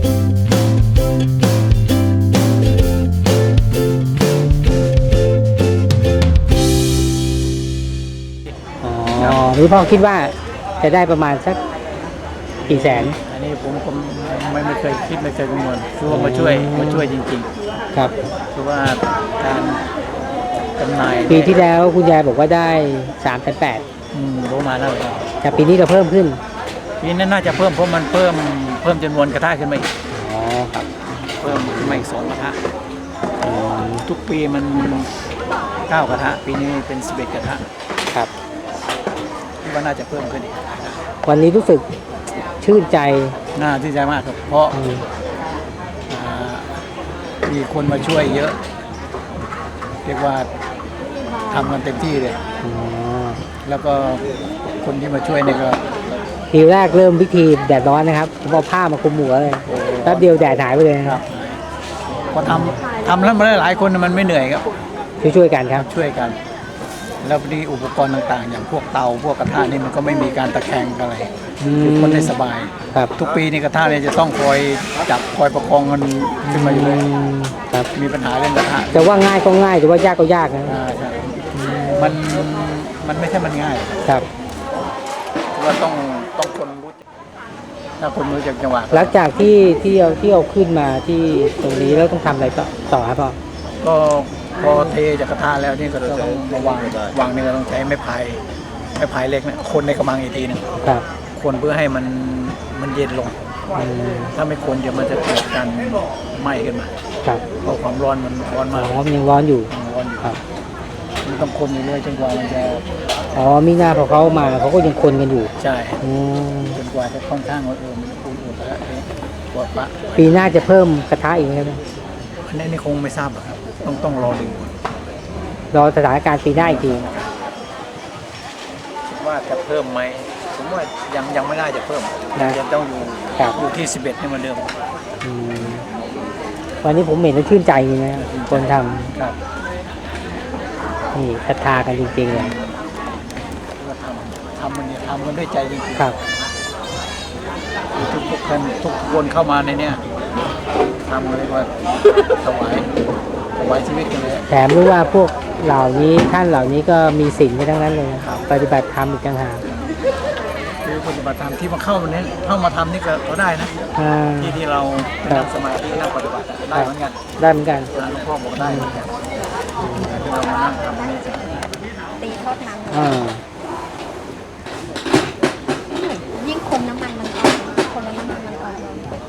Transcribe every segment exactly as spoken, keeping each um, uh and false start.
อ๋อหรือพ่อคิดว่าจะได้ประมาณสักกี่แสนอันนี้ผมก็ไม่ไม่เคยคิดไม่เคยกังวลคือว่ามาช่วยมาช่วยจริงๆครับคือว่าการจำหน่ายปีที่แล้วคุณยายบอกว่าได้สามแสนแปดอืมรู้มาแล้วครับแต่ปีนี้เราเพิ่มขึ้นปีนี้น่าจะเพิ่มเพราะมันเพิ่มเพิ่มจำนวนกระทะขึ้นมาอีกอ๋อครับเพิ่มขึ้นมาอีกสองกระทะทุกปีมันเก้ากระทะปีนี้เป็นสิบเอ็ดกระทะครับคิดว่าน่าจะเพิ่มขึ้นอีกวันนี้รู้สึกชื่นใจน่าชื่นใจมากครับเพราะมีคนมาช่วยเยอะเรียกว่าทำกันเต็มที่เลยแล้วก็คนที่มาช่วยเนี่ยก็ทีแรกเริ่มพิธีแดดร้อนนะครับผมเอาผ้ามาคลุมหัวเลยแป๊บเดียวแดดหายไปเลยครับพอทำทำแล้วมาหลายคนมันไม่เหนื่อยครับช่วยๆกันครับช่วยกันแล้วพอดีอุปกรณ์ต่างๆอย่างพวกเตาพวกกระทะนี่มันก็ไม่มีการตะแคงอะไรทุกคนได้สบายครับทุกปีนี่กระทะเนี่ยจะต้องคอยจับคอยประคองมันขึ้นมาอยู่เลยครับมีปัญหาเรื่องกระทะแต่ว่าง่ายก็ง่ายแต่ว่ายากก็ยากนะมันมันไม่ใช่มันง่ายครับว่าต้องต้องคนรู้ถ้าคนรู้จักจังหวะหลังจากที่ที่เอาที่เอาขึ้นมาที่ตรงนี้แล้วต้องทำอะไรต่อต่อครับพ่อก็พอเทจากกระทะแล้วนี่ก็ต้องมาวางวางนี่ก็ต้องใช้ไม้พายไม้พายเล็กเนี่ยคนในกระมังอีกทีนึงครับคนเพื่อให้มันมันเย็นลงถ้าไม่คนเดี๋ยวมันจะเกิดการไหม้ขึ้นมาครับเพราะความร้อนมันร้อนมากอ๋อมันยังร้อนอยู่ร้อนอยู่ครับมันต้องคนอยู่เรื่อยจนกว่ามันจะอ๋อมีหน้าพอเขามาเขาก็ยังคนกันอยู่ใช่จนกว่าจะค่อนข้างว่าเออมันอุ่นอุ่นแล้วปวดปะปีหน้าจะเพิ่มกระทะอีกไหมครับอันนี้นี่คงไม่ทราบหรอกครับต้องต้องรอดูรอสถานการณ์ปีหน้าอีกทีว่าจะเพิ่มไหมผมว่ายังยังไม่น่าจะเพิ่มยังต้องอยู่อยู่ที่สิบเอ็ดนี่เหมือนเดิมวันนี้ผมเห็นแล้วชื่นใจนะคนทำครับนี่ศรัทธากันจริงๆเลยทำทำมันเนี่ยทำกันด้วยใจจริงๆครับทุกทุกคนทุกคนเข้ามาในเนี้ยทำอะไรว่าถวายถวายชีวิตกันเลยแถมรู้ว่าพวกเหล่านี้ท่านเหล่านี้ก็มีศีลกันทั้งนั้นเลยปฏิบัติธรรมอีกต่างหากคือปฏิบัติธรรมที่มาเข้าวันนี้เข้ามาทำนี่ก็ก็ได้นะที่ที่เรานั่งสมาธินั่งปฏิบัติได้เหมือนกันได้เหมือนกันหลวงพ่อบอกได้เหมือนกันที่เรามานั่งทำนี่ตีทอดน้ำยิ่งคนน้ำมันมันออกคนละน้ำมันมันออก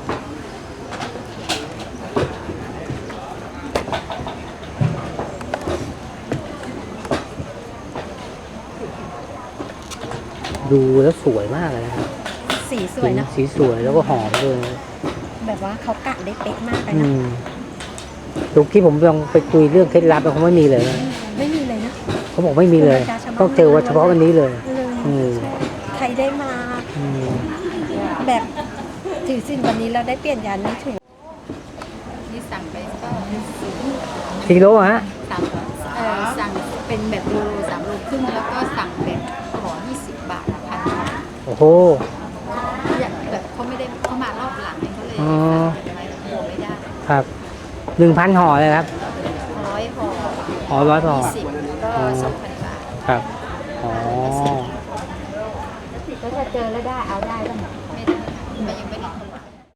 ดูแล้วสวยมากเลยนะครับสีสวยนะสีสวยแล้วก็หอมด้วยแบบว่าเขากะได้เป๊ะมากเลยนะทุกที่ผมลองไปคุยเรื่องเคล็ดลับเขาไม่มีเลยไม่มีเลยนะเขาบอกไม่มีเลยต้องเจอว่าเฉพาะวันนี้เลยใครได้มาแบบถือสินวันนี้เราได้เปลี่ยนยานไม่ถูกนี่สั่งไปก็กิโลฮะสั่งเออสั่งเป็นแบบโลสามโลครึ่งแล้วก็สั่งแบบขอยี่สิบบาทพันโอ้โหแบบเขาไม่ได้เขามารอบหลังเขาเลยอะไรโหไม่ได้ครับหนึ่งพันห่อเลยครับร้อยห่ออ๋อร้อยห่อสิบก็สองพันบาทครับอ๋อก็จะเจอแล้วได้เอาได้ต้อง